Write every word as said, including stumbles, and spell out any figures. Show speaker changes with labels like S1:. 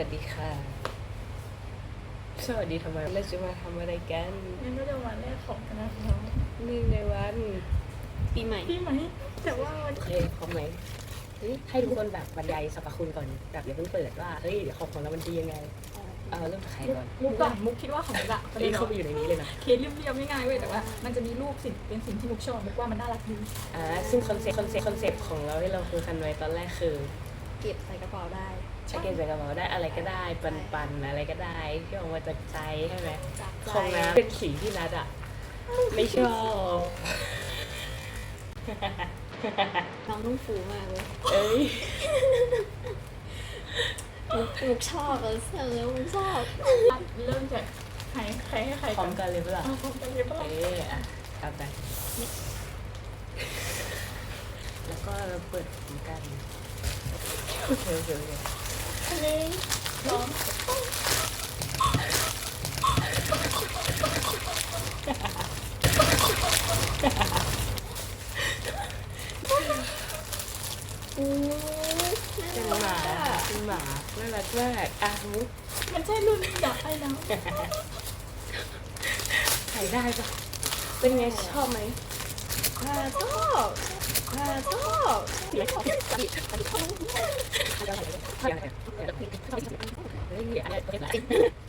S1: วัสดีค่ะ สวัสดีทำไมเราจะมาทำอะไรกัน
S2: งั้นก็จะวันแรกของคณะเรา
S1: หนึ่งในวันปีใหม่
S2: พี่ไหมแต่ว่าวัน
S1: โอเคพร้อมไหมเฮ้ยให้ทุกคนแบบบรรยายสรรพคุณก่อนแบบอย่าเพิ่งเปิดว่าเฮ้ยของของเรามันดียังไงเออเริ่มจากใครก่อน
S2: มุกอะมุกคิดว่าของมุกอะประเด็
S1: เฮ้ย
S2: น
S1: เข้าไปอยู่ในนี้เลยนะ
S2: เคสเรียบๆง่ายๆเว้ยแต่ว่ามันจะมีรูปสิ่งเป็นสิ่งที่มุกชอบมุกว่ามันน่ารักดี
S1: อ่าซึ่งคอนเซ็ปต์คอนเซ็ปต์คอนเซ็ปต์ของเราที่เราคุยกันไว้ตอนแรกคือ
S3: เก็บใส่กระเป๋าได้
S1: จะเก็บใส่กระเป๋าได้อะไรก็ได้ปันปันๆอะไรก็ได้ที่ออกมาจากใจใช่ไหม
S3: จากใจ
S1: ของน้ำเป็นสีที่นัดอะไม่ชอบ
S3: น้องนุ่งฟูมากเลย
S1: เอ้ย
S3: มุกมุกชอบเออเออมุกชอบ
S2: เริ่มจากใครใครให้ใคร
S1: พร้อมกันเลยเปล่า
S2: เอาพร้อมกันเลยปะ
S1: เอ๊ะอ่ะทำไปแล้วก็เราเปิดพร้อมกันโอเคโอเคโอเค
S2: อันนี้สอง
S3: อู้
S1: เป็นหมาเป็นหมาน่ารักมากอ่ะมุก
S2: มันใช่รุ่นอยากให้นะ
S1: ถ่ายได้ปะเป็นไงชอบไหม
S3: ข้าชอบข้าชอบ
S1: ไม่ชอบเฮ้ยอะไร